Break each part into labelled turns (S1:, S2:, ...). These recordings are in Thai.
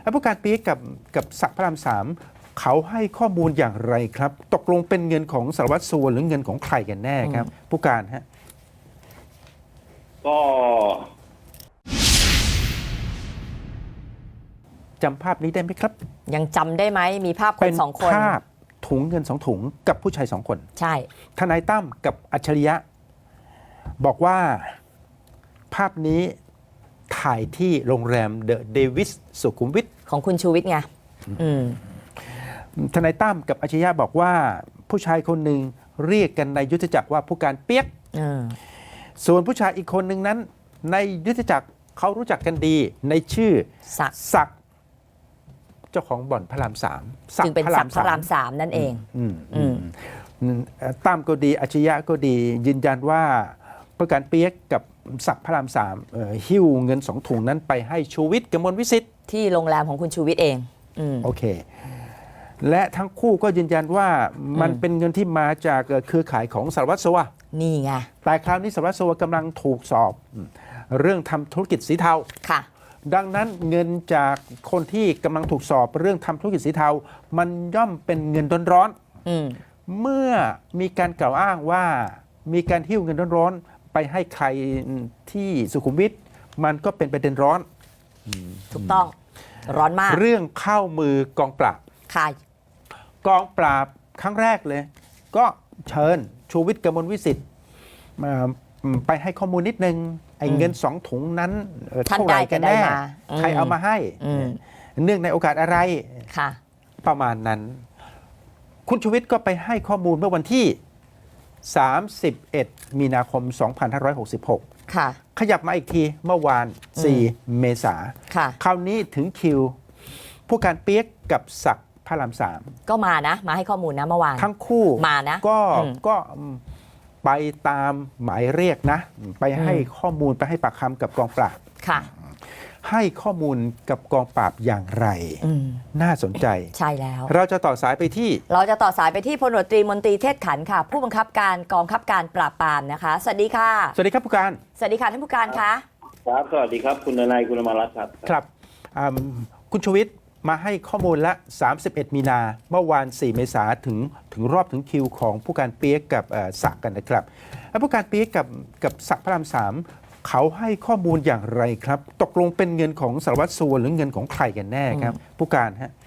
S1: แล้วผู้การปี๊กกับศักดิ์พระรามสามเขาให้ข้อมูลอย่างไรครับ ตกลงเป็นเงินของสารวัตรสัวหรือเงินของใครกันแน่ครับ ผู้การฮะ
S2: ก็
S1: จำภาพนี้ได้ไหมครับ
S3: ยังจำได้ไหมมีภาพคนสองคน
S1: เป็นภาพถุงเงิน2 ถุงกับผู้ชาย2 คน
S3: ใช่
S1: ทนายตั้มกับอัจฉริยะ บอกว่าภาพนี้ถ่ายที่โรงแรมเดอะเดวิสสุขุมวิท
S3: ของคุณชูวิทย์ไง
S1: ทนายตั้มกับอัจฉริยะบอกว่าผู้ชายคนหนึ่งเรียกกันในยุทธจักรว่าผู้การเปียกส่วนผู้ชายอีกคนหนึ่งนั้นในยุทธจักรเขารู้จักกันดีในชื่อศักดิ์เจ้าของบ่อนพระรามสาม
S3: จึงเป็นศักดิ์พระรามสามนั่นเอง
S1: ตั้มก็ดีอัจฉริยะก็ดียืนยันว่าผู้การเปียกกับศักดิ์พระรามสามหิ้วเงิน2 ถุงนั้นไปให้ชูวิทย์กมลวิสิทธิ์
S3: ที่โรงแรมของคุณชูวิทย์เอง
S1: โอเคและทั้งคู่ก็ยืนยันว่ามันเป็นเงินที่มาจากเครือข่ายของสารวัตรสัว
S3: นี่ไง
S1: แต่คราวนี้สารวัตรสัวกำลังถูกสอบเรื่องทำธุรกิจสีเทา
S3: ค่ะ
S1: ดังนั้นเงินจากคนที่กำลังถูกสอบเรื่องทำธุรกิจสีเทามันย่อมเป็นเงินร้อนๆเมื่อมีการกล่าวอ้างว่ามีการหิ้วเงินร้อนๆไปให้ใครที่สุขุมวิทมันก็เป็นประเด็นร้อน
S3: ถูกต้องร้อนมาก
S1: เรื่องเข้ามือกองปราบ
S3: ค่ะ
S1: กองปราบครั้งแรกเลยก็เชิญชูวิทย์กมลวิสิทธิ์ไปให้ข้อมูลนิดนึงไอ้เงิน2 ถุงนั้นเท่าไหร่กันแน่ใครเอามาให้เนื่องในโอกาสอะไรประมาณนั้นคุณชูวิทย์ก็ไปให้ข้อมูลเมื่อวันที่31 มีนาคม 2566ขยับมาอีกทีเมื่อวาน4 เมษาคราวนี้ถึงคิวผู้การเปียกกับศักดิ์พระรามสาม
S3: ก็มานะมาให้ข้อมูลนะเมื่อวาน
S1: ทั้งคู่
S3: มานะ
S1: ก็ไปตามหมายเรียกนะไปให้ข้อมูลไปให้ปากคำกับกองปราบให้ข้อมูลกับกองปราบอย่างไรน่าสนใจ
S3: ใช่แล้ว
S1: เราจะต่อสายไปที่
S3: พลตำรวจตรีมนตรีเทศขันธ์ค่ะผู้บังคับการกองบังคับการปราบปรามนะคะสวัสดีค่ะ
S1: สวัสดีครับผู้การ
S3: สวัสดีค่ะท่านผู้การคะ
S2: ครับสวัสดีครับคุณนายคุณอมรรัตน์
S1: ครับคุณชูวิทย์มาให้ข้อมูลละ31 มีนาเมื่อวาน4 เมษาถึงรอบถึงคิวของผู้การเปียกกับศักดิ์กันนะครับแล้วผู้การเปียกกับศักดิ์พระรามสามเขาให้ข้อมูลอย่างไรครับตกลงเป็นเงินของสารวัตรสัวหรือเงินของใครกันแน่ครับผู้การฮะ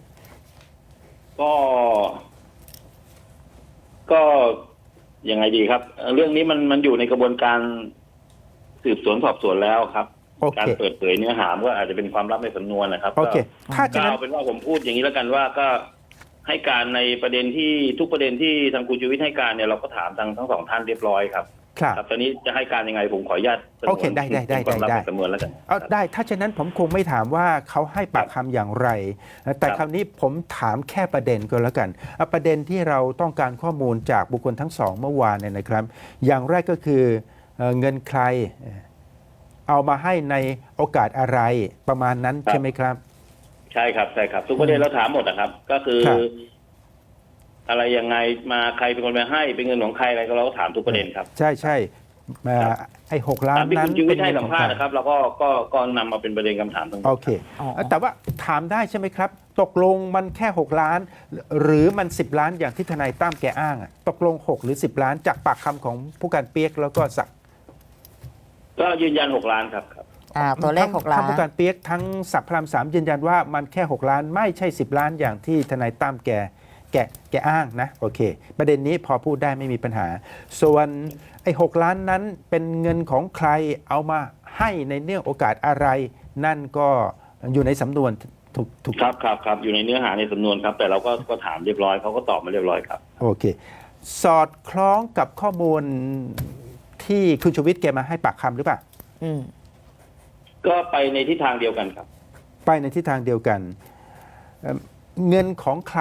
S2: ก็ยังไงดีครับเรื่องนี้มันอยู่ในกระบวนการสืบสวนสอบสวนแล้วครับการเปิดเผยเนื้อหาก็อาจจะเป็นความลับในสำนวนนะครับ
S1: ถ้าจะ
S2: เอาเป็นว่าผมพูดอย่างนี้แล้วกันว่าก็ให้การในประเด็นที่ทุกประเด็นที่ทางคุณชูวิทย์ให้การเนี่ยเราก็ถามทั้ง2 ท่านเรียบร้อยครับตอนนี้จะให้การยังไงผมขออนุญาต
S1: โอเคได้
S2: สำนวนแล้วกัน
S1: ได้ถ้าเช่นนั้นผมคงไม่ถามว่าเขาให้ปากคำอย่างไรแต่คราวนี้ผมถามแค่ประเด็นก็แล้วกันประเด็นที่เราต้องการข้อมูลจากบุคคลทั้ง2เมื่อวานเนี่ยนะครับอย่างแรกก็คือเงินใครเอามาให้ในโอกาสอะไรประมาณนั้นใช่ไหมครับ
S2: ใช่ครับทุกประเด็นเราถามหมดนะครับก็คืออะไรยังไงมาใครเป็นคนมาให้เป็นเงินของใครอะไรก็เราก็ถามทุกประเด็นครับ
S1: ใช่ไอ้6 ล้านนั้น
S2: เป็นเงินของใครนะครับเราก็นำมาเป็นประเด็นคำถามทั้งหมด
S1: โอเคแต่ว่าถามได้ใช่ไหมครับตกลงมันแค่6 ล้านหรือมัน10 ล้านอย่างที่ทนายตั้มแกอ้างตกลง6 หรือ10 ล้านจากปากคำของผู้การเปียกแล้วก็ศักดิ์
S2: ก็ยืนยัน6 ล้านครับ
S3: ตัวเลข6 ล้าน
S1: ทั้งผู้การเปียกทั้งศักดิ์พระรามสามยืนยันว่ามันแค่6 ล้านไม่ใช่10 ล้านอย่างที่ทนายตั้มแกอ้างนะโอเคประเด็นนี้พอพูดได้ไม่มีปัญหาส่วนไอ้6 ล้านนั้นเป็นเงินของใครเอามาให้ในเนื่องโอกาสอะไรนั่นก็อยู่ในสำนวนถูก
S2: ครับอยู่ในเนื้อหาในสำนวนครับแต่เราก็ถามเรียบร้อยเขาก็ตอบมาเรียบร้อยครับ
S1: โอเคสอดคล้องกับข้อมูลที่คุณชูวิทย์แกมาให้ปากคำหรือเปล่า
S2: ก็ไปในทิศทางเดียวกันครับ
S1: ไปในทิศทางเดียวกันเงินของใคร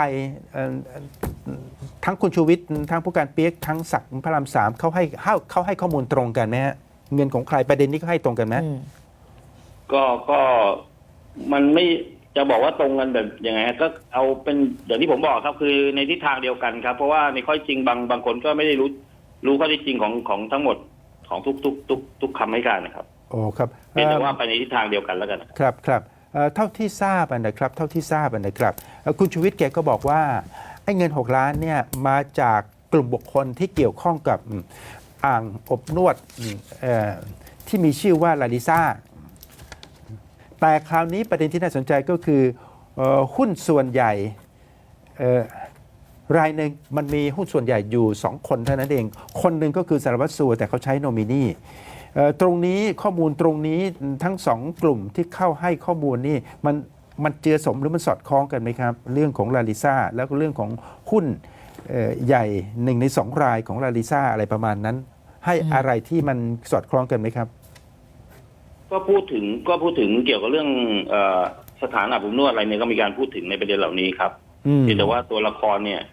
S1: ทั้งคุณชูวิทย์ทั้งผู้การเปียกทั้งศักดิ์พระรามสามเขาให้ข้อมูลตรงกันไหมฮะเงินของใครประเด็นนี้ก็ให้ตรงกันไหม
S2: ก็มันไม่จะบอกว่าตรงกันแบบยังไงก็เอาเป็นอย่างที่ผมบอกครับคือในทิศทางเดียวกันครับเพราะว่าในข้อจริงบางคนก็ไม่ได้รู้ข้อที่จริงของทั้งหมดของทุกคำให้การนะครับ
S1: โอ้ครับ
S2: เป็นแต่ว่าไปในทิศทางเดียวกันแล้วกัน
S1: ครับเท่าที่ทราบนะครับคุณชูวิทย์แกก็บอกว่าไอ้เงิน6 ล้านเนี่ยมาจากกลุ่มบุคคลที่เกี่ยวข้องกับอ่างอบนวดที่มีชื่อว่าลาลิซ่าแต่คราวนี้ประเด็นที่น่าสนใจก็คือหุ้นส่วนใหญ่รายหนึ่งมันมีหุ้นส่วนใหญ่อยู่2 คนเท่านั้นเองคนหนึ่งก็คือสารวัตรสัวแต่เขาใช้โนมินีตรงนี้ข้อมูลตรงนี้ทั้ง2 กลุ่มที่เข้าให้ข้อมูลนี่มันเจือสมหรือมันสอดคล้องกันไหมครับเรื่องของลาลิซ่าแล้วก็เรื่องของหุ้นใหญ่1 ใน 2 รายของลาลิซ่าอะไรประมาณนั้นให้อะไรที่มันสอดคล้องกันไหมครับ
S2: ก็พูดถึงเกี่ยวกับเรื่องสถานอาบอบนวดอะไรเนี่ยก็มีการพูดถึงในประเด็นเหล่านี้ครับแต่ว่าตัวละครเนี่ย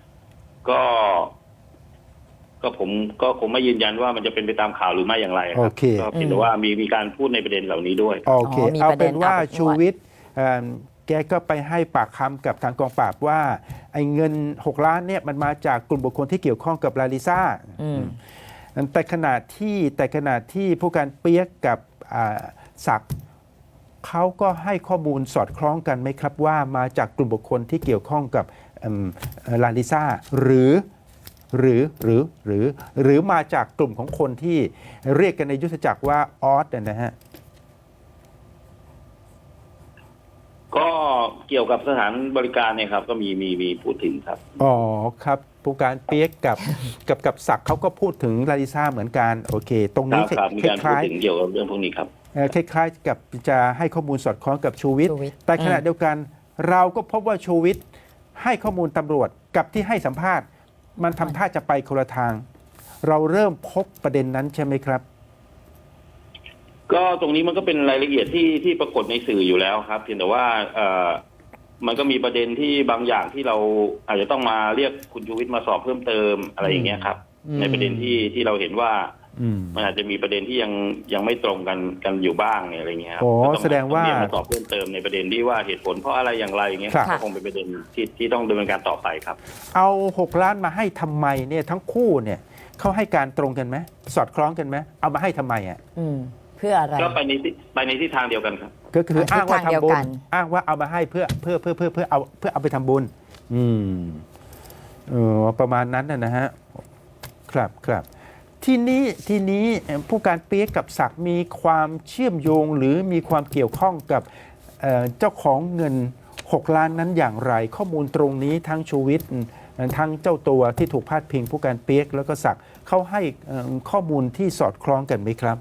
S2: ก็ผมก็คงไม่ยืนยันว่ามันจะเป็นไปตามข่าวหรือไม่อย่างไรครับก็เพียงแต่ว่ามีการพูดในประเด็นเหล่านี้ด้วย
S1: โอเคเอาเป็นว่าชูวิทย์แกก็ไปให้ปากคำกับทางกองปราบว่าไอ้เงิน6 ล้านเนี่ยมันมาจากกลุ่มบุคคลที่เกี่ยวข้องกับลาลิซ่าแต่ขณะที่ผู้การเปียกกับศักดิ์เขาก็ให้ข้อมูลสอดคล้องกันไหมครับว่ามาจากกลุ่มบุคคลที่เกี่ยวข้องกับลาลิซ่าหรือมาจากกลุ่มของคนที่เรียกกันในยุทธจักรว่าออสนะฮะ
S2: ก็เกี่ยวกับสถานบริการเนี่ยครับก็มีพูดถึงครับ
S1: อ๋อครับผู้การเปียกกับศักดิ์เขาก็พูดถึงลาลิซ่าเหมือนกันโอเคตรงนี้
S2: มีการพูดถึงเกี่ยวกับเรื่องพวกนี้ครับ
S1: คล้ายๆกับจะให้ข้อมูลสอดคล้องกับชูวิทย์แต่ขณะเดียวกันเราก็พบว่าชูวิทย์ให้ข้อมูลตำรวจกับที่ให้สัมภาษณ์มันทำท่าจะไปคนละทางเราเริ่มพบประเด็นนั้นใช่ไหมครับ
S2: ก็ตรงนี้มันก็เป็นรายละเอียดที่ปรากฏในสื่ออยู่แล้วครับเพียงแต่ว่ามันก็มีประเด็นที่บางอย่างที่เราอาจจะต้องมาเรียกคุณชูวิทย์มาสอบเพิ่มเติมอะไรอย่างเงี้ยครับในประเด็นที่เราเห็นว่ามันอาจจะมีประเด็นที่ยังไม่ตรงกันอยู่บ้างอะไรเงี้ยครับ
S1: แสดงว่า
S2: มาสอบเพิ่มเติมในประเด็นที่ว่าเหตุผลเพราะอะไรอย่างไรอย่างเงี้ยก็คงเป็นประเด็นที่ต้องดำเนินการต่อไปครับ
S1: เอา6 ล้านมาให้ทำไมเนี่ยทั้งคู่เนี่ยเขาให้การตรงกันไหมสอดคล้องกันไหมเอามาให้ทำไมอ่ะ
S3: เพื่ออะไร
S2: ก็ไปในทิศทางเดียวกันครับ
S1: ก็คืออ้างว่าทำบุญอ้างว่าเอามาให้เพื่อเอาไปทำบุญประมาณนั้นนะฮะครับทีนี้ผู้การเปียกกับศักดิ์มีความเชื่อมโยงหรือมีความเกี่ยวข้องกับเจ้าของเงิน6 ล้านนั้นอย่างไรข้อมูลตรงนี้ทั้งชูวิทย์ทั้งเจ้าตัวที่ถูกพาดพิงผู้การเปียกแล้วก็ศักดิ์เขาให้ข้อมูลที่สอดคล้องกันไหมครับ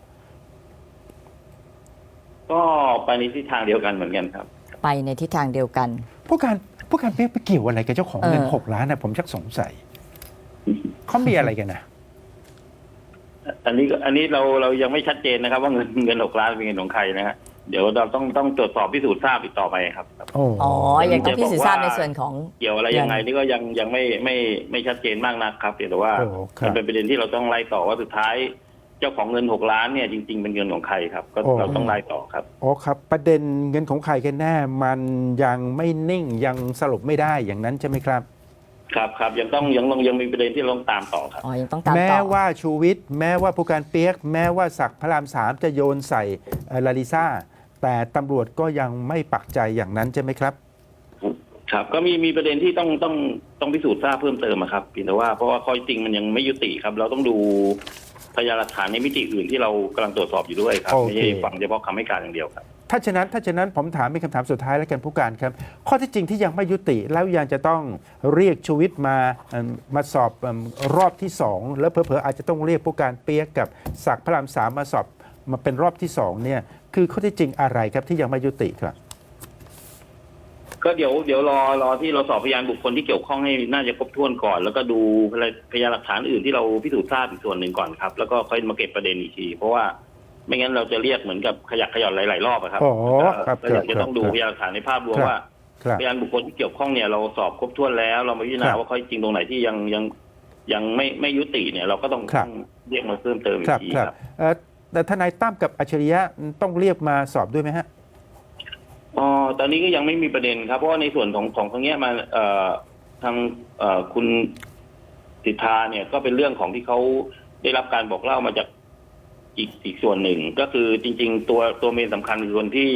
S2: ก็ไปในทิศทางเดียวกันเหมือนกันครับ
S3: ไปในทิศทางเดียวกัน
S1: ผู้การเปียกไปเกี่ยวอะไรกับเจ้าของเงิน6 ล้านนะผมชักสงสัยเขามีอะไรกันนะ
S2: อันนี้เรายังไม่ชัดเจนนะครับว่าเงิน6 ล้านเป็นเงินของใครนะฮะเดี๋ยวเราต้องตรวจสอบพิสูจน์ทราบอีกต่อไปครับ
S3: อ๋อยังต้องพิสูจน์ทราบในส่วนของ
S2: เกี่ยวอะไรยังไงนี่ก็ยังไม่ชัดเจนมากนักครับแต่ว่ามันเป็นประเด็นที่เราต้องไล่ต่อว่าสุดท้ายเจ้าของเงิน6 ล้านเนี่ยจริงๆเป็นเงินของใครครับก็เราต้องไล่ต่อครับ
S1: อ๋อครับประเด็นเงินของใครกันแน่มันยังไม่นิ่งยังสรุปไม่ได้อย่างนั้นใช่ไหมครับ
S2: ครับยังมีประเด็นที่ต้องตามต่อครับ
S3: ยังต้องตามต่อ
S1: แม้ว่าชูวิทย์แม้ว่าผู้การเปียกแม้ว่าศักดิ์พระราม 3จะโยนใส่ลาลิซ่าแต่ตำรวจก็ยังไม่ปักใจอย่างนั้นใช่ไหมครับ
S2: ครับก็มีประเด็นที่ต้องพิสูจน์ทราบเพิ่มเติมครับเพียงแต่ว่าเพราะว่าข้อจริงมันยังไม่ยุติครับเราต้องดูพยานหลักฐานในมิติอื่นที่เรากำลังตรวจสอบอยู่ด้วยครับไม่ใช่ฟังเฉพาะคำให้การอย่างเดียวครับ
S1: ถ้าฉะนั้นผมถามเป็นคำถามสุดท้ายแล้วกันผู้การครับข้อที่จริงที่ยังไม่ยุติแล้วยังจะต้องเรียกชูวิทย์มาสอบรอบที่2แล้วเผลอๆอาจจะต้องเรียกผู้การเปียกกับศักดิ์พระราม 3มาสอบมาเป็นรอบที่2เนี่ยคือข้อที่จริงอะไรครับที่ยังไม่ยุติครับ
S2: ก็เดี๋ยวรอที่เราสอบพยานบุคคลที่เกี่ยวข้องให้น่าจะครบถ้วนก่อนแล้วก็ดูพยานหลักฐานอื่นที่เราพิสูจน์ทราบอีกส่วนหนึ่งก่อนครับแล้วก็ค่อยมาเก็บประเด็นอีกทีเพราะว่าไม่งั้นเราจะเรียกเหมือนกับขยักขย่อนหลายๆรอบครับก็อยากจะต้องดูพยานหลักฐานในภาพรวมว่าพยานบุคคลที่เกี่ยวข้องเนี่ยเราสอบครบถ้วนแล้วเรามาพิจารณาว่าข้อจริงตรงไหนที่ยังไม่ยุติเนี่ยเราก็ต้องเรียกมาเพิ่มเติมอีกทีครับ
S1: แต่ทนายตั้มกับอัจฉริยะต้องเรียกมาสอบด้วยไหมฮะ
S2: ตอนนี้ก็ยังไม่มีประเด็นครับเพราะว่าในส่วนของตรงนี้มาทางคุณสิทธาเนี่ยก็เป็นเรื่องของที่เขาได้รับการบอกเล่ามาจากอีกส่วนหนึ่งก็คือจริงๆตัวเมนสำคัญคือคนที่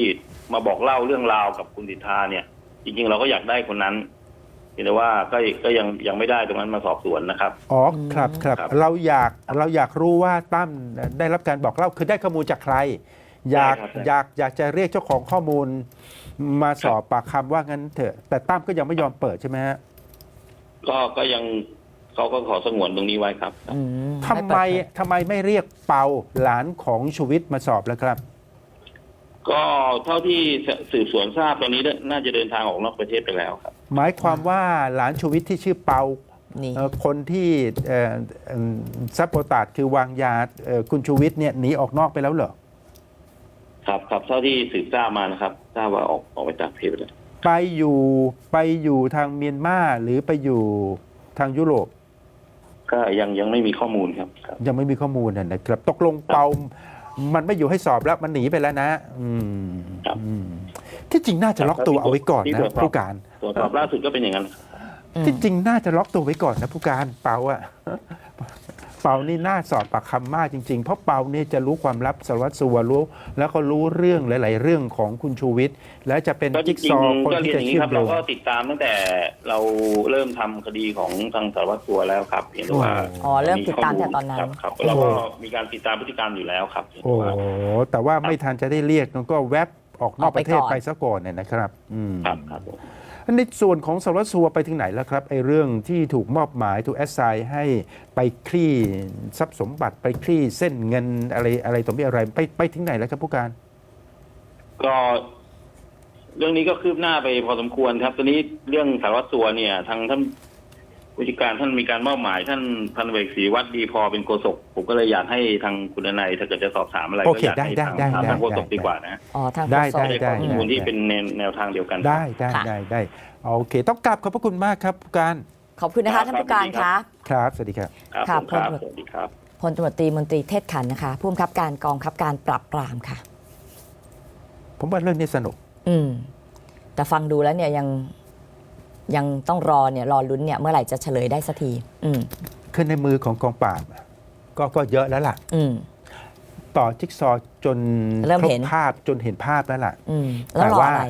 S2: มาบอกเล่าเรื่องราวกับคุณสิทธาเนี่ย จริงๆเราก็อยากได้คนนั้นแต่ว่าก็ยังไม่ได้ตรงนั้นมาสอบสวนนะครับ
S1: อ๋อครับครับ
S2: ครับ
S1: เราอยากรู้ว่าตั้มได้รับการบอกเล่าคือได้ข้อมูลจากใคร อยาก
S2: ใช่ครับ
S1: อยากจะเรียกเจ้าของข้อมูลมาสอบปากคำว่างั้นเถอะ แต่ตั้มก็ยังไม่ยอมเปิดใช่ไหมฮะ
S2: ก็ยังเขาก็ขอสงวนตรงนี้ไว้ครับ
S3: อืม
S1: ทำไมไม่เรียกเปาหลานของชูวิทย์มาสอบแล้วครับ
S2: ก็เท่าที่สืบสวนทราบตอนนี้น่าจะเดินทางออกนอกประเทศไปแล้วครับ
S1: หมายความว่าหลานชูวิทย์ที่ชื่อเปา
S3: นี่
S1: คนที่ซับโปตาดคือวางยาคุณชูวิทย์เนี่ยหนีออกนอกไปแล้วเหรอ
S2: ครับเท่าที่สืบทราบมานะครับทราบว่าออกไปจากประเทศไปแล้ว
S1: ไปอยู่ทางเมียนมาหรือไปอยู่ทางยุโรป
S2: ก็ยังไม่มีข้อมูลครับ
S1: ยังไม่มีข้อมูลนะครับตกลงเปามันไม่อยู่ให้สอบแล้วมันหนีไปแล้วนะอืมที่จริงน่าจะล็อกตัวเอาไว้ก่อนนะผู้การ
S2: ตรวจสอบล่าสุดก็เป็นอย่างนั้น
S1: ที่จริงน่าจะล็อกตัวไว้ก่อนนะผู้การเปาอะเปานี่น่าสอบปากคำมากจริงๆเพราะเปาเนี่ยจะรู้ความลับสารวัตรสัวรู้แล้วก็รู้เรื่องหลายๆเรื่องของคุณชูวิทย์และจะเป็น
S2: ก็จ
S1: จิ๊ก
S2: ริ
S1: ซ
S2: ง
S1: อว์คน
S2: ๆก็เรี
S1: ที่
S2: ยน
S1: จะ
S2: อย่างนี้
S1: เชื่อ
S2: ค
S1: ม
S2: รับ
S1: โย
S2: เรา
S1: ง
S2: ก็ติดตามตั้งแต่เราเริ่มทำคดีของทางสารวัตรสัวแล้วครับเห็นว่า
S3: อ๋อเริ่มติดตามแต่ตอนนั้น
S2: ครับเราก็มีการติดตามพฤติกรรมอยู่แล้วครับ
S1: โอ้แต่ว่าไม่ทันจะได้เรียกมันก็แวบออกนอกประเทศ
S3: ออกไปก่อน
S1: ไปซะก่อนเนี่ยนะครับ
S2: ครับผม
S1: ในส่วนของสารวัตรสัวไปถึงไหนแล้วครับไอ้เรื่องที่ถูกมอบหมายถูกแอสไซน์ให้ไปคลี่ทรัพย์สมบัติไปคลี่เส้นเงินอะไรต่อมีอะไรไปถึงไหนแล้วครับผู้การ
S2: ก็เรื่องนี้ก็คืบหน้าไปพอสมควรครับตอนนี้เรื่องสารวัตรสัวเนี่ยทางท่านผู้จัดการท่านมีการมอบหมายท่านพันเอกศรีวัฒน์ดีพอเป็นโฆษกผมก็เลยอยากให้ทางคุณนายถ้าเกิดจะสอบถามอะไร
S1: โอ
S2: ก็
S1: เค
S2: อยากให้
S1: ได้
S2: ทาง
S1: ได้
S2: ทางโฆษก
S1: ได้
S2: ดีกว่านะ
S3: อ๋อทาง
S1: ได้
S3: โฆษก
S1: ได้
S2: ข้อมูลที่เป็นแนวทางเดียวกัน
S1: ได้โอเค ต้องกลับขอบพระคุณมากครับผู้การ
S3: ขอบคุณนะคะท่านผู้การคะ
S1: ครับสวัสดีครับ
S2: ครับ
S3: ค่ะ
S2: ผมครับ
S3: พล
S2: สวัสดีครับ
S3: พลตำรวจตรีมนตรีเทศขันธ์นะคะผู้บังคับการกองบังคับการปราบปรามค่ะ
S1: ผมว่าเรื่องนี้สนุก
S3: แต่ฟังดูแล้วเนี่ยยังต้องรอลุ้นเนี่ยเมื่อไหร่จะเฉลยได้สักที
S1: ขึ้นในมือของกองปราบก็เยอะแล้วล่ะ ต่อจิ๊กซอว์จน
S3: เริ่ม
S1: คร
S3: เห็
S1: บ
S3: น
S1: ภาพจนเห็นภาพแล้วล่ะ
S3: แล้วรออะไร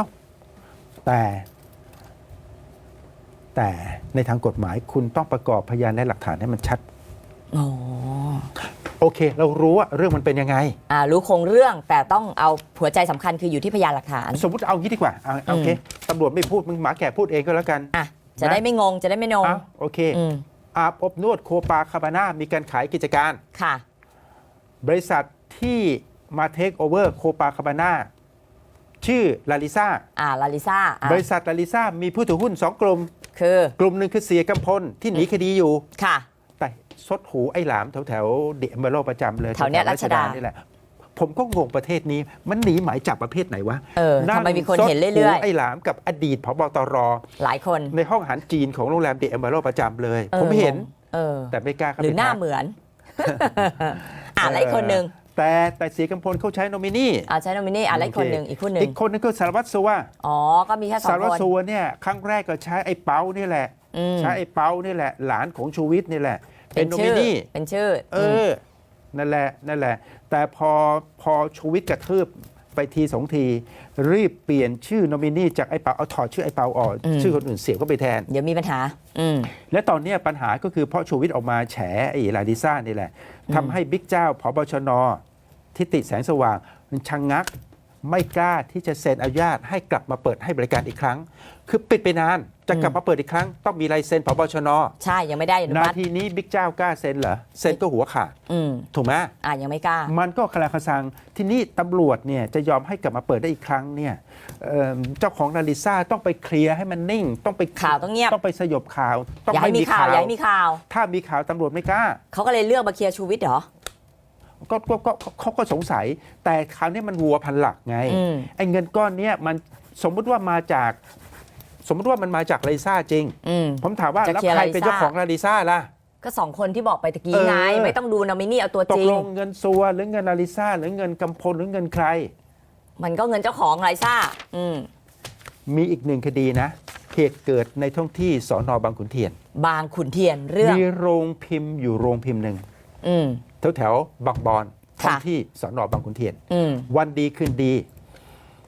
S1: แต่ในทางกฎหมายคุณต้องประกอบพยานและหลักฐานให้มันชัด
S3: อ๋อ
S1: โอเค เรารู้ว่าเรื่องมันเป็นยังไง
S3: รู้โครงเรื่องแต่ต้องเอาหัวใจสำคัญคืออยู่ที่พยานหลักฐาน
S1: สมมติเอางี้ดีกว่าโอเคตำรวจไม่พูดมึงหมาแก่พูดเองก็แล้วกัน
S3: จะได้ไม่งงจะได้ไม่นง
S1: โอเคอาบอบนวดโคปาคาบาน่ามีการขายกิจการ
S3: ค่ะ
S1: บริษัทที่มาเทคโอเวอร์โคปาคาบาน่าชื่อลาลิซ่า
S3: ลาลิซ่า
S1: บริษัทลาลิซ่ามีผู้ถือหุ้น 2 กลุ่ม
S3: คือก
S1: ลุ่มหนึ่งคือเสียกำพลที่หนีคดีอยู่
S3: ค่ะ
S1: แต่ซดหูไอ้หลามแถวเดอะเมโลประจำเลย
S3: แถวเนี้ยรัชดา
S1: นี่แหละ ผมก็งงประเทศนี้ มันหนีหมายจับประเภทไหนวะ
S3: ทำไมมีคนเห็น
S1: ซด
S3: เรื่อย
S1: หูไอ้หลามกับอดีตผบตร
S3: ๆ หลายคน
S1: ในห้องอาหารจีนของโรงแรมเดอะเมโลประจำเลย ผมเห็น แต่ไม่กล้าเข้า
S3: หรือ
S1: ไป
S3: หน้า
S1: ทัก
S3: เหมือน แล้วอีกคนหนึ่ง
S1: แต่เสียกำพลเขาใช้โนมินี
S3: ใช้โนมินีแล้วอีกคนหนึ่งอีกคนหนึ่ง
S1: อีกคนนึงก็สารวัตรสัว
S3: ก็มีแค่สอ
S1: สาง รวัต
S3: ค
S1: ร
S3: น
S1: สัวเนี่ยครั้งแรกก็ใช้ไอ้เปานี่แหละ ใช้ไอ้เปานี่แหละ หลานของชูวิทย์นี่แหละ เป็นโนมินี
S3: เป็นชื่อ
S1: นั่นแหละ แต่พอชูวิทย์กระทืบไปทีสองที รีบเปลี่ยนชื่อโนมินีจากไอ้เปาเอาถอดชื่อไอ้เปาออกชื่อคนอื่นเสียบก็ไปแทน
S3: เดี๋ยวมีปัญหา
S1: และตอนนี้ปัญหาก็คือเพราะชูวิทย์ออกมาแฉไอ้ลาดิซ่านี่แหละทำให้บิ๊กเจ้าผบชนทิติแสงสว่างชะงักไม่กล้าที่จะเซ็นอนุญาตให้กลับมาเปิดให้บริการอีกครั้ง คือปิดไปนานจะกลับมาเปิดอีกครั้งต้องมีลายเซ็นผบชน
S3: ใช่ยังไม่ได้อนุ
S1: นา
S3: มัติ
S1: ทีนี้บิ๊กเจ้ากล้าเซ็นเหรอเซ็นก็หัวขาดถูกไหม
S3: ยังไม่กล้า
S1: มันก็คลาคสังทีนี้ตำรวจเนี่ยจะยอมให้กลับมาเปิดได้อีกครั้งเนี่ยเจ้าของลาลิซ่าต้องไปเคลียร์ให้มันนิ่ง ต้องไป
S3: ข่าวต้องเงียบ
S1: ต้องไปสยบข่าวต้อง
S3: อย่าให้มีข่าวอย่าให้มีข่าว
S1: ถ้ามีข่าวตำรวจไม่กล้า
S3: เขาก็เลยเลือกมาเคลียร์ชูวิทย์เหรอ
S1: ก็เขาก็สงสัย แต่คราวนี้มันวัวพันหลักไงไอ้เงินก้อนเนี้ยมันสมมุติว่ามันมาจากลาลิซ่าจริงผมถามว่า
S3: จะ
S1: แล้ว
S3: เคลียร์
S1: ใครเป็น
S3: ลาลิซ่า
S1: เจ้าของลาลิซ่าล่ะ
S3: ก็สองคนที่บอกไปตะกี้ไง ไม่ต้องดูนอมินีเอาตัว
S1: ต
S3: จ
S1: ก
S3: ริง
S1: ลงเงินซัวหรือเงินลาลิซ่าหรือเงินกำพลหรือเงินใคร
S3: มันก็เงินเจ้าของลาลิซ่า
S1: มีอีกหนึ่งคดีนะเหตุเกิดในท้องที่สอนอบางขุนเทียน
S3: บางขุนเทียนเรื่อง
S1: มีโรงพิมพ์อยู่โรงพิมพ์หนึ่งแถวบางบอนท้องที่สอนอบางขุนเทียน วันดีคืนดี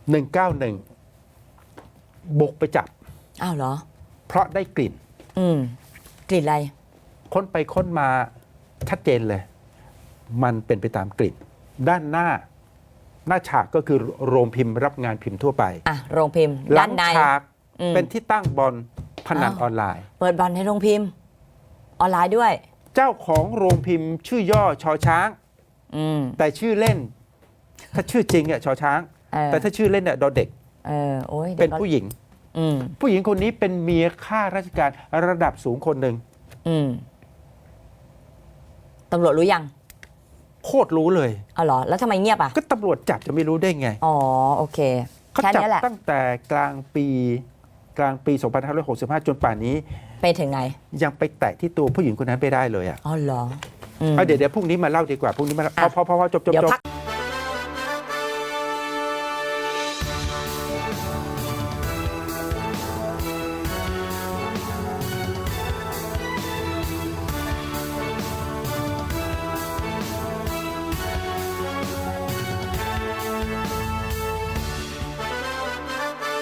S1: 191 บุกไปจับ
S3: อ้าวเหรอ
S1: เพราะได้กลิ่น
S3: กลิ่นอะไร
S1: ค้นไปค้นมาชัดเจนเลย มันเป็นไปตามกลิ่น ด้านหน้าฉากก็คือโรงพิมพ์รับงานพิมพ์ทั่วไป
S3: โรงพิมพ์
S1: หลั
S3: ด้านใน
S1: ฉาก
S3: อืม
S1: เป็นที่ตั้งบอลพนัน
S3: อ้าว
S1: ออนไลน์
S3: เปิดบอลในโรงพิมพ์ ออนไลน์ด้วย
S1: เจ้าของโรงพิมพ์ชื่อย่อชอช้าง
S3: อืม
S1: แต่ชื่อเล่น ถ้าชื่อจริงอ่ะชอช้าง แต่ถ้าชื่อเล่นเนี่ยดอเด็ก
S3: โอ้ย
S1: เป็นผู้หญิง
S3: อืม
S1: ผู้หญิงคนนี้เป็นเมียข้าราชการระดับสูงคนหนึ่ง
S3: อืมตำรวจรู้ยัง
S1: โคตรรู้เลย
S3: เอาเหรอ แล้วทำไมเงียบอ่ะ
S1: ก็ตำรวจจับจะไม่รู้ได้ไง
S3: อ๋อ โอเค
S1: เขา
S3: แค่
S1: จับ
S3: นี้แหละ
S1: ตั้งแต่กลางปี 2565 จนป่านนี้
S3: ไปถึงไหน
S1: ยังไปแตะที่ตัวผู้หญิงคนนั้นไม่ได้เลยอ่ะ
S3: อ๋อเหรอ
S1: เอาเดี๋ยวพรุ่งนี้มาเล่าดีกว่าพรุ่งนี้มาเล่า
S3: อ่ะ
S1: พอจบ
S3: เดี๋ยวพัก